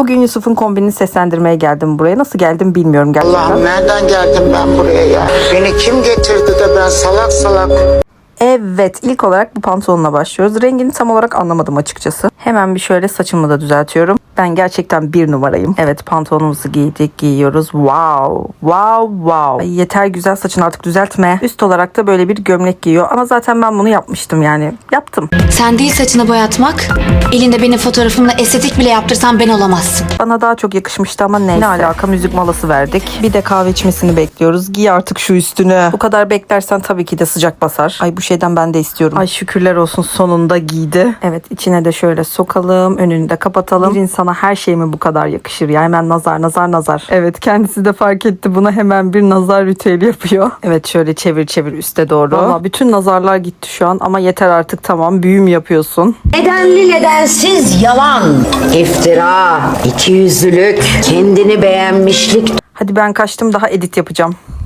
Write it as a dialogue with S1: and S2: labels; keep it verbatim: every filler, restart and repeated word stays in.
S1: Bugün Yusuf'un kombinini seslendirmeye geldim buraya. Nasıl geldim bilmiyorum gerçekten.
S2: Allah'ım nereden geldim ben buraya ya? Beni kim getirdi de ben salak salak...
S1: Evet, ilk olarak bu pantolonla başlıyoruz. Rengini tam olarak anlamadım açıkçası. Hemen bir şöyle saçımı da düzeltiyorum. Ben gerçekten bir numarayım. Evet, pantolonumuzu giydik, giyiyoruz. Wow, wow, wow. Ay, yeter güzel, saçını artık düzeltme. Üst olarak da böyle bir gömlek giyiyor. Ama zaten ben bunu yapmıştım yani. Yaptım.
S3: Sen değil saçını boyatmak, elinde benim fotoğrafımla estetik bile yaptırsan ben olamazsın.
S1: Bana daha çok yakışmıştı ama neyse. Ne alaka, müzik molası verdik. Bir de kahve içmesini bekliyoruz. Giy artık şu üstünü. Bu kadar beklersen tabii ki de sıcak basar. Ay bu şeyden ben de istiyorum. Ay şükürler olsun, sonunda giydi. Evet, içine de şöyle sokalım. Önünü de kapatalım. Bir insana her şey mi bu kadar yakışır ya? Hemen nazar nazar nazar. Evet, kendisi de fark etti. Buna hemen bir nazar ritüeli yapıyor. Evet, şöyle çevir çevir üste doğru. Valla bütün nazarlar gitti şu an ama yeter artık, tamam. Büyü mü yapıyorsun?
S4: Nedenli nedensiz yalan, iftira, ikiyüzlülük, kendini beğenmişlik.
S1: Hadi ben kaçtım, daha edit yapacağım.